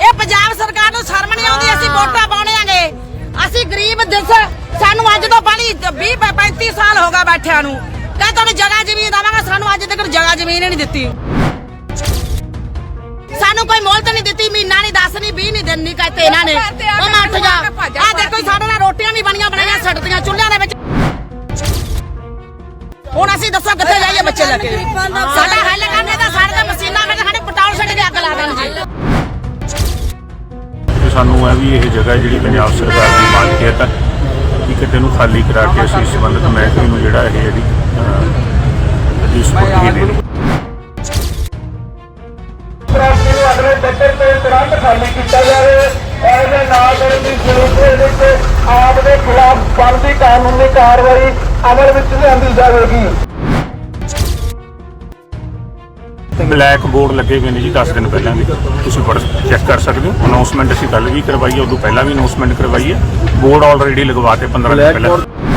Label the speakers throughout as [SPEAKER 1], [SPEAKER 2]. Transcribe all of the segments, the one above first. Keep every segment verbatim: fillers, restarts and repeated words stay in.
[SPEAKER 1] ਇਹ ਪੰਜਾਬ ਸਰਕਾਰ ਨੂੰ ਸ਼ਰਮ ਨਹੀਂ ਆਉਂਦੀ। ਅਸੀਂ ਵੋਟਾਂ ਪਾਉਣੇ ਆਂਗੇ, ਅਸੀਂ ਗਰੀਬ ਦਿਸ ਸਾਨੂੰ ਅੱਜ ਤੋਂ ਪਹਿਲੀ ਵੀਹ ਪੈਂਤੀ ਸਾਲ ਹੋ ਗਏ ਬੈਠਿਆਂ ਨੂੰ। ਕਹ ਤੁਹਾਨੂੰ ਜਗ੍ਹਾ ਜ਼ਮੀਨ ਦੇਵਾਂਗਾ, ਸਾਨੂੰ ਅੱਜ ਤੱਕ ਜਗ੍ਹਾ ਜ਼ਮੀਨ ਨਹੀਂ ਦਿੱਤੀ। ਸਾਨੂੰ ਕੋਈ ਮੋਹਲਤ ਨਹੀਂ ਦਿੱਤੀ, ਮਹੀਨਾ ਨਹੀਂ, ਦਸ ਨਹੀਂ, ਵੀਹ ਨਹੀਂ ਦਿਨ ਨਹੀਂ ਕਹਤੇ ਇਹਨਾਂ ਨੇ। ਉਹ ਮੈਂ ਉੱਠ ਜਾ, ਆ ਦੇਖੋ ਸਾਡੇ ਨਾਲ ਰੋਟੀਆਂ ਵੀ ਬਣੀਆਂ ਬਣਾਈਆਂ ਸੜਦੀਆਂ ਚੁੱਲ੍ਹਿਆਂ ਦੇ ਵਿੱਚ। ਹੁਣ ਅਸੀਂ ਦੱਸੋ ਕਿੱਥੇ ਜਾਈਏ ਬੱਚੇ ਲੈ ਕੇ? ਸਾਡਾ ਹੱਲ ਕਰਨੇ ਦਾ ਸਾਡੇ ਦਾ ਮਸ਼ੀਨਾਂ ਵਿੱਚ ਸਾਡੇ ਪਟਾਉਣ ਛੱਡ ਕੇ ਅੱਗ ਲਾ ਦੇਣ ਜੀ।
[SPEAKER 2] ਸਾਨੂੰ ਹੈ ਵੀ ਇਹ ਜਗ੍ਹਾ ਜਿਹੜੀ ਪੰਜਾਬ ਸਰਕਾਰ ਦੀ ਮਾਲਕੀਅਤ ਹੈ ਕਿ ਕਿਤੇ ਨੂੰ ਖਾਲੀ ਕਰਾ ਕੇ ਅਸੀਂ ਸੰਬੰਧਿਤ ਮਹਿਕਮੇ ਨੂੰ ਜਿਹੜਾ ਇਹ ਜਿਹੜੀ ਇਸ ਸਪੁਰਦਗੀ ਦੇਣੀ।
[SPEAKER 3] ਅਗਲੇ ਟੱਕਰ ਤੇ ਤੁਰੰਤ ਖਾਲੀ ਕੀਤਾ ਜਾਵੇ। ਇਹਦੇ ਨਾਲ ਦੀ ਜ਼ਰੂਰਤ ਵਿੱਚ ਆਪ ਦੇ ਖਿਲਾਫ ਬਣਦੀ ਕਾਨੂੰਨੀ ਕਾਰਵਾਈ ਅਮਲ ਵਿੱਚ ਲਿਆਂਦੀ ਜਾਵੇਗੀ।
[SPEAKER 2] ਬਲੈਕ ਬੋਰਡ ਲੱਗੇ ਹੋਏ ਨੇ ਜੀ ਦਸ ਦਿਨ ਪਹਿਲਾਂ ਦੇ, ਤੁਸੀਂ ਪੜ੍ਹ ਚੈੱਕ ਕਰ ਸਕਦੇ ਹੋ। ਅਨਾਉਂਸਮੈਂਟ ਅਸੀਂ ਕੱਲ ਵੀ ਕਰਵਾਈ ਹੈ, ਉਦੋਂ ਪਹਿਲਾਂ ਵੀ ਅਨਾਉਂਸਮੈਂਟ ਕਰਵਾਈ ਹੈ। ਬੋਰਡ ਆਲਰੇਡੀ ਲਗਵਾਤੇ ਪੰਦਰਾਂ ਦਿਨ ਪਹਿਲਾਂ।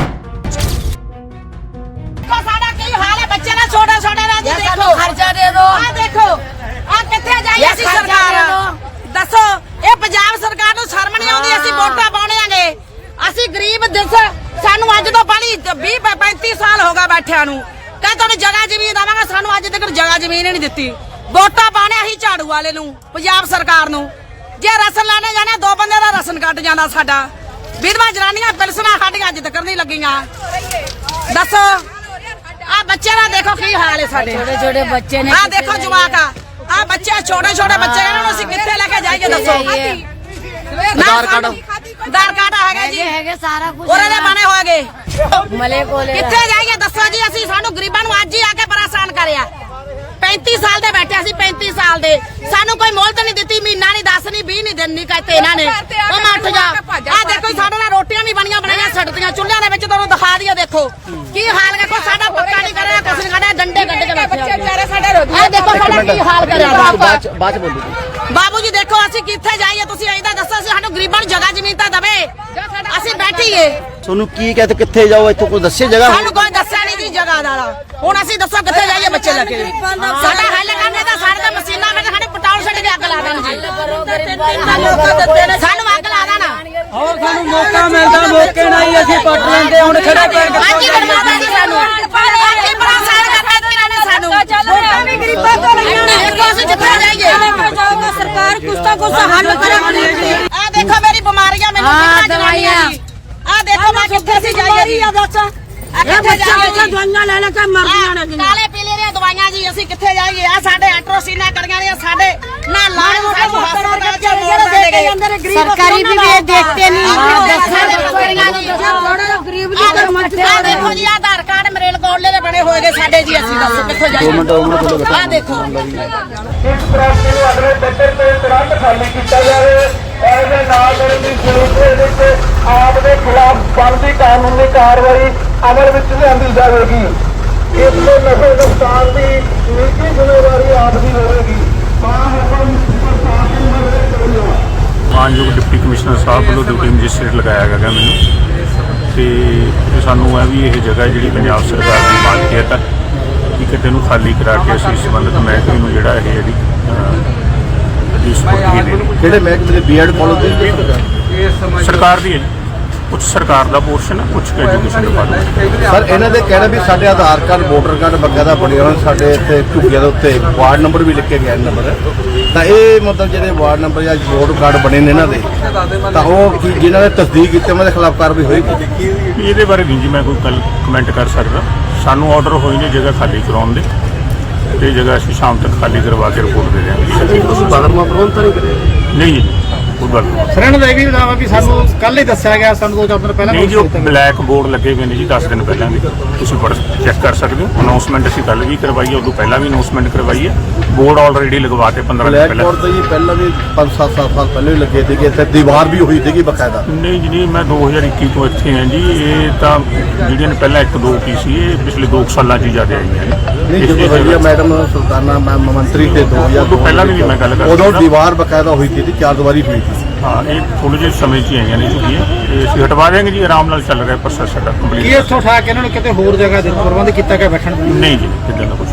[SPEAKER 1] ਸਾਡਾ ਕੀ ਹਾਲ ਹੈ ਬੱਚੇ ਦਾ, ਛੋਟੇ ਛੋਟੇ ਦਾ ਜੀ। ਦੇਖੋ ਖਰਚਾ ਦੇ ਦਿਓ, ਆ ਦੇਖੋ ਆ ਕਿੱਥੇ ਜਾਈਏ ਅਸੀਂ? ਸਰਕਾਰ ਦੱਸੋ, ਇਹ ਪੰਜਾਬ ਸਰਕਾਰ ਨੂੰ ਸ਼ਰਮ ਨਹੀਂ ਆਉਂਦੀ। ਅਸੀਂ ਵੋਟਾਂ ਪਾਉਣੇ ਆਂਗੇ, ਅਸੀਂ ਗਰੀਬ ਦਿਸ ਸਾਨੂੰ ਅੱਜ ਤੋਂ ਪਹਿਲੀ ਵੀਹ ਪੈਂਤੀ ਸਾਲ ਹੋ ਗਏ ਬੈਠਿਆਂ ਨੂੰ। ਕਹ ਤੁਹਾਨੂੰ ਜਗ੍ਹਾ ਜ਼ਮੀਨ ਦੇਵਾਂਗਾ, ਸਾਨੂੰ ਅੱਜ ਤੱਕ ਜਗ੍ਹਾ ਜ਼ਮੀਨ ਨਹੀਂ ਦਿੱਤੀ। ਵੋਟਾਂ ਪਾਉਣੇ ਅਸੀਂ ਝਾੜੂ ਵਾਲੇ ਨੂੰ, ਪੰਜਾਬ ਸਰਕਾਰ ਨੂੰ। ਜੇ ਰਸਨ ਲੈਣੇ ਜਾਣਾ, ਦੋ ਬੰਦੇ ਦਾ ਰਸਨ ਕੱਟ ਜਾਂਦਾ ਸਾਡਾ। ਵਿਧਵਾ ਜਨਾਨੀਆਂ ਪੈਨਸ਼ਨਾਂ ਸਾਡੀਆਂ ਅੱਜ ਤੱਕ ਨਹੀਂ ਲੱਗੀਆਂ। ਦੱਸੋ ਆ ਬੱਚੇ ਦਾ ਦੇਖੋ ਕੀ ਹਾਲ ਹੈ ਸਾਡੇ।
[SPEAKER 4] ਛੋਟੇ ਛੋਟੇ ਬੱਚੇ ਨੇ,
[SPEAKER 1] ਆ ਦੇਖੋ ਜਵਾਕ ਆ ਆ ਬੱਚੇ ਛੋਟੇ ਛੋਟੇ ਬੱਚੇ, ਇਹਨਾਂ ਨੂੰ ਅਸੀਂ ਕਿੱਥੇ ਲੈ ਕੇ ਜਾਈਏ ਦੱਸੋ? ਆਧਾਰ ਕਾਰਡ ਆਧਾਰ ਕਾਰਡ ਹੈਗਾ ਜੀ,
[SPEAKER 4] ਹੈਗੇ ਸਾਰਾ ਕੁਝ
[SPEAKER 1] ਉਹਦੇ ਦੇ ਬਣੇ ਹੋਏਗੇ।
[SPEAKER 4] ਮਲੇ ਕੋਲੇ
[SPEAKER 1] ਕਿੱਥੇ ਜਾਈਏ ਦੱਸੋ ਜੀ? ਅਸੀਂ ਸਾਨੂੰ ਗਰੀਬਾਂ ਨੂੰ ਅੱਜ ਹੀ ਆ ਕੇ ਪਰੇਸ਼ਾਨ ਕਰਿਆ। ਪੈਂਤੀ ਸਾਲ ਦੇ ਬੈਠੇ ਅਸੀਂ, ਪੈਂਤੀ ਸਾਲ ਦੇ, ਸਾਨੂੰ ਕੋਈ ਮੋਹਲਤ ਨਹੀਂ ਦਿੱਤੀ। ਮਹੀਨਾ ਨਹੀਂ, ਦਸ ਨਹੀਂ, ਵੀਹ ਨਹੀਂ ਦਿਨ ਨਹੀਂ ਕਹਤੇ ਇਹਨਾਂ ਨੇ। ਉਹ ਮੈਂ ਉੱਠ ਜਾ, ਆ ਦੇਖੋ ਸਾਡੇ ਨਾਲ ਰੋਟੀਆਂ ਵੀ ਬਣੀਆਂ ਬਣਾਈਆਂ ਸੜਦੀਆਂ ਚੁੱਲ੍ਹਿਆਂ ਦੇ ਵਿੱਚ। ਤੁਹਾਨੂੰ ਦਿਖਾ ਦਈਏ, ਦੇਖੋ ਕੀ ਹਾਲ ਹੈ। ਕੋਈ ਸਾਡਾ ਪੱਕਾ ਨਹੀਂ ਕਰਿਆ, ਕੁਛ ਨਹੀਂ ਕਰਿਆ, ਡੰਡੇ ਗੱਡੇ ਕੇ ਬੈਠੇ ਆ। ਦੇਖੋ ਸਾਡਾ ਕੀ ਹਾਲ ਕਰਿਆ।
[SPEAKER 5] ਬਾਅਦ ਚ ਬੋਲੂ
[SPEAKER 1] ਬਾਬੂ ਜੀ ਦੇਖੋ ਅਸੀਂ ਕਿੱਥੇ ਜਾਈਏ? ਤੁਸੀਂ ਇਹਦਾ ਦੱਸੋ, ਅਸੀਂ ਸਾਨੂੰ ਗਰੀਬਾਂ ਨੂੰ ਜਗ੍ਹਾ ਜ਼ਮੀਨ ਤਾਂ ਦਵੇ, ਅਸੀਂ ਬੈਠੀਏ।
[SPEAKER 5] ਤੁਹਾਨੂੰ ਕੀ ਕਹਤੇ ਕਿੱਥੇ ਜਾਓ? ਇੱਥੋਂ ਕੋਈ ਦੱਸੇ ਜਗ੍ਹਾ?
[SPEAKER 1] ਸਾਨੂੰ ਕੋਈ ਦੱਸਿਆ ਨਹੀਂ ਜੀ ਜਗ੍ਹਾ ਦਾ। ਹੁਣ ਅਸੀਂ ਦੱਸੋ ਕਿੱਥੇ ਜਾਈਏ ਬੱਚੇ ਲੈ ਕੇ? ਸਾਡਾ ਹੱਲ ਕਰਨੇ ਦਾ ਸਾਡੇ ਦਾ ਮਸ਼ੀਨਾਂ ਵਿੱਚ ਸਾਡੇ ਪਟਾਉਣ ਛੱਡ ਕੇ ਅੱਗ ਲਾ ਦੇਣ ਜੀ। ਸਾਨੂੰ ਅੱਗ ਲਾ ਦੇਣਾ।
[SPEAKER 6] ਹੋਰ ਸਾਨੂੰ ਮੌਕਾ ਮਿਲਦਾ, ਮੌਕੇ ਨਾਲ ਹੀ ਅਸੀਂ ਪੱਟ ਲੈਂਦੇ। ਹੁਣ ਖੜੇ ਪੈਰ
[SPEAKER 1] ਅੱਜ ਹੀ ਬਰਬਾਦ ਜੀ ਸਾਨੂੰ, ਅੱਜ ਹੀ ਪਰੇਸ਼ਾਨ ਕਰਤਾ ਜੀ ਇਹਨਾਂ ਨੇ ਸਾਨੂੰ। ਵੋਟਾਂ ਵੀ ਗਰੀਬਾਂ ਤੋਂ ਲਈਆਂ ਨੇ, ਦੇਖੋ ਅਸੀਂ ਜਿੱਥੇ ਜਾਈਏ
[SPEAKER 4] ਸਰਕਾਰ ਕੁਛ ਤਾਂ ਕੁਛ ਹੱਲ ਕਰੇ।
[SPEAKER 1] ਆ ਦੇਖੋ ਮੇਰੀ ਬਿਮਾਰੀਆਂ ਮੈਨੂੰ ਕਿੰਨਾ ਦਵਾਈਆਂ। ਆ ਦੇਖੋ ਮੈਂ ਕਿੱਥੇ ਸੀ ਜਾਈਏ ਜੀ? ਦੱਸ ਆ ਕਿੱਥੇ ਜਾਈਏ?
[SPEAKER 4] ਦਵਾਈਆਂ ਲੈ ਲੈ ਕੇ ਮਰਦੀਆਂ ਨੇ।
[SPEAKER 1] ਕਾਲੇ ਪੀਲੇ ਦੀਆਂ ਦਵਾਈਆਂ ਜੀ, ਅਸੀਂ ਕਿੱਥੇ ਜਾਈਏ? ਆ ਸਾਡੇ ਐਟਰੋਸੀਨਾ ਕਰੀਆਂ ਨੇ ਸਾਡੇ ਨਾ ਲਾਣ ਸਾਨੂੰ ਹਸਪਤਾਲ ਵਿੱਚ ਮੋੜ ਦੇ ਗਏ।
[SPEAKER 4] ਸਰਕਾਰੀ ਵੀ ਇਹ ਦੇਖਤੇ ਨਹੀਂ।
[SPEAKER 1] ਗਰੀਬ ਦੀ ਆ ਦੇਖੋ ਜੀ, ਆਧਾਰ ਕਾਰਡ ਮਰੇਲ ਕੋਲੇ ਦੇ ਬਣੇ ਹੋਏ ਨੇ ਸਾਡੇ ਜੀ। ਅਸੀਂ ਦੱਸੋ ਕਿੱਥੋਂ ਜਾਈਏ? ਆ ਦੇਖੋ
[SPEAKER 3] ਇਸ ਪ੍ਰਾਪਤੀ ਨੂੰ ਅਗਲੇ ਟੱਕਰ ਤੇ ਤੁਰੰਤ ਖਾਲੀ ਕੀਤਾ ਜਾਵੇ। ਇਹਦੇ ਨਾਲ ਦੀ ਜ਼ਰੂਰਤ ਵਿੱਚ ਆਪ ਦੇ ਖਿਲਾਫ ਬਣਦੀ ਕਾਨੂੰਨੀ ਕਾਰਵਾਈ ਅਮਲ ਵਿੱਚ ਲਿਆਂਦੀ ਜਾਵੇਗੀ। ਇਸ ਤੋਂ ਨਸ਼ੇ ਨੁਕਸਾਨ ਦੀ ਨਿੱਜੀ ਜ਼ਿੰਮੇਵਾਰੀ ਆਪ ਦੀ ਹੋਵੇਗੀ।
[SPEAKER 2] ਮਾਨਯੋਗ ਡਿਪਟੀ ਕਮਿਸ਼ਨਰ ਸਾਹਿਬ ਵੱਲੋਂ ਡਿਊਟੀ ਮੈਜਿਸਟਰੇਟ ਲਗਾਇਆ ਗਿਆ ਮੈਨੂੰ, ਤੇ ਸਾਨੂੰ ਹੈ ਵੀ ਇਹ ਜਗ੍ਹਾ ਜਿਹੜੀ ਪੰਜਾਬ ਸਰਕਾਰ ਦੀ ਮਾਲਕੀਅਤ ਹੈ ਕਿ ਕਿਤੇ ਨੂੰ ਖਾਲੀ ਕਰਾ ਕੇ ਅਸੀਂ ਸੰਬੰਧਿਤ ਮਹਿਕਮੇ ਨੂੰ ਜਿਹੜਾ ਇਹ ਜਿਹੜੀ ਇਸ ਸਪੁਰਦਗੀ ਦੇਣੀ।
[SPEAKER 5] ਕਿਹੜੇ ਮਹਿਕਮੇ ਦੇ ਬੀਐਡ ਕਾਲਜ ਦੇ?
[SPEAKER 2] ਸਰਕਾਰ ਦੀ ਹੈ ਜੀ, ਕੁਝ ਸਰਕਾਰ ਦਾ ਪੋਰਸ਼ਨ ਹੈ, ਕੁਝ ਐਜੂਕੇਸ਼ਨ ਡਿਪਾਰਟਮੈਂਟ।
[SPEAKER 5] ਸਰ ਇਹਨਾਂ ਦੇ ਕਹਿਣਾ ਵੀ ਸਾਡੇ ਆਧਾਰ ਕਾਰਡ ਵੋਟਰ ਕਾਰਡ ਬਕਾਇਦਾ ਬਣੇ ਹੋਣ, ਸਾਡੇ ਇੱਥੇ ਝੁੱਗੀਆਂ ਦੇ ਉੱਤੇ ਵਾਰਡ ਨੰਬਰ ਵੀ ਲਿਖੇ ਗਏ ਨੰਬਰ। ਤਾਂ ਇਹ ਮਤਲਬ ਜਿਹੜੇ ਵਾਰਡ ਨੰਬਰ ਜਾਂ ਵੋਟਰ ਕਾਰਡ ਬਣੇ ਨੇ ਇਹਨਾਂ ਦੇ, ਤਾਂ ਉਹ ਕੀ ਜਿਨ੍ਹਾਂ ਨੇ ਤਸਦੀਕ ਕੀਤੀ ਉਹਨਾਂ ਦੇ ਖਿਲਾਫ ਕਾਰਵਾਈ ਹੋਏਗੀ?
[SPEAKER 2] ਇਹਦੇ ਬਾਰੇ ਨਹੀਂ ਜੀ ਮੈਂ ਕੋਈ ਕੱਲ ਕਮੈਂਟ ਕਰ ਸਕਦਾ। ਸਾਨੂੰ ਆਰਡਰ ਹੋਈ ਨੇ ਜਗ੍ਹਾ ਖਾਲੀ ਕਰਾਉਣ ਦੇ, ਤੇ ਜਗ੍ਹਾ ਅਸੀਂ ਸ਼ਾਮ ਤੱਕ ਖਾਲੀ ਕਰਵਾ ਕੇ ਰਿਪੋਰਟ ਦੇ ਦਿਆਂਗੇ।
[SPEAKER 5] ਤੁਸੀਂ ਬਾਦਰਮਾ ਪ੍ਰਬੰਧ ਤਾਂ ਨਹੀਂ ਕਰਿਆ?
[SPEAKER 2] ਨਹੀਂ ਜੀ, ਕੋਈ ਗੱਲ ਨਹੀਂ।
[SPEAKER 6] ਸਰ ਇਹਨਾਂ ਦਾ ਇਹ ਵੀ ਦਾਵਾ ਵੀ ਸਾਨੂੰ ਕੱਲ ਹੀ ਦੱਸਿਆ ਗਿਆ, ਸਾਨੂੰ ਦੋ ਚਾਰ ਦਿਨ ਪਹਿਲਾਂ
[SPEAKER 2] ਨਹੀਂ ਜੀ, ਉਹ ਬਲੈਕ ਬੋਰਡ ਲੱਗੇ ਹੋਏ ਨੇ ਜੀ ਦਸ ਦਿਨ ਪਹਿਲਾਂ ਦੇ, ਤੁਸੀਂ ਪੜ੍ਹ ਚੈੱਕ ਕਰ ਸਕਦੇ ਹੋ। ਅਨਾਉਂਸਮੈਂਟ ਅਸੀਂ ਕੱਲ ਵੀ ਕਰਵਾਈ ਹੈ, ਉਦੋਂ ਪਹਿਲਾਂ ਵੀ ਅਨਾਉਂਸਮੈਂਟ ਕਰਵਾਈ ਹੈ। ਬੋਰਡ ਆਲਰੇਡੀ ਲਗਵਾਤੇ ਪੰਦਰਾਂ ਦਿਨ
[SPEAKER 5] ਬਲੈਕ
[SPEAKER 2] ਪਹਿਲਾਂ।
[SPEAKER 5] ਬੋਰਡ ਤਾਂ ਜੀ ਪਹਿਲਾਂ ਵੀ ਪੰਜ ਸੱਤ ਸਾਲ ਪਹਿਲਾਂ ਵੀ ਲੱਗੇ ਸੀਗੇ, ਇੱਥੇ ਦੀਵਾਰ ਵੀ ਹੋਈ ਸੀਗੀ ਬਕਾਇਦਾ।
[SPEAKER 2] ਨਹੀਂ ਜੀ ਨਹੀਂ, ਮੈਂ ਦੋ ਹਜ਼ਾਰ ਇੱਕੀ ਤੋਂ ਇੱਥੇ ਹਾਂ ਜੀ। ਇਹ ਤਾਂ ਜਿਹੜੀਆਂ ਨੇ ਪਹਿਲਾਂ ਇੱਕ ਦੋ ਕੀ ਸੀ, ਇਹ ਪਿਛਲੇ ਦੋ ਸਾਲਾਂ 'ਚ ਹੀ ਜ਼ਿਆਦਾ ਆਈਆਂ ਨੇ।
[SPEAKER 5] ਨਹੀਂ ਜਦੋਂ ਵਧੀਆ ਮੈਡਮ ਸੁਲਤਾਨਾ ਮੈਮ ਮੰਤਰੀ ਤੇ ਦੋ ਹਜ਼ਾਰ
[SPEAKER 2] ਉਦੋਂ ਪਹਿਲਾਂ ਵੀ ਮੈਂ ਗੱਲ ਕਰਦਾ,
[SPEAKER 5] ਉਦੋਂ ਦੀਵਾਰ ਬਕਾਇਦਾ ਹੋਈ ਸੀ, ਚਾਰ ਦੀਵਾਰੀ ਹੋਈ ਸੀ।
[SPEAKER 2] ਹਾਂ, ਇਹ ਥੋੜੇ ਜਿਹੇ ਸਮੇਂ 'ਚ ਹੀ ਆਈਆਂ ਨੇ ਝੁੱਗੀਆਂ, ਤੇ ਅਸੀਂ ਹਟਵਾ ਦੇਵਾਂਗੇ ਜੀ। ਆਰਾਮ ਨਾਲ ਚੱਲ ਰਿਹਾ ਪ੍ਰੋਸੈਸ ਸਾਡਾ
[SPEAKER 6] ਕੀ
[SPEAKER 2] ਕੰਪਲੀਟ।
[SPEAKER 6] ਇੱਥੋਂ ਉਠਾ ਕੇ ਇਹਨਾਂ ਨੂੰ ਕਿਤੇ ਹੋਰ ਜਗ੍ਹਾ ਦੇ ਪ੍ਰਬੰਧ ਕੀਤਾ ਗਿਆ ਬੈਠਣ ਦਾ?
[SPEAKER 2] ਨਹੀਂ ਜੀ, ਇੱਦਾਂ ਦਾ ਕੁਛ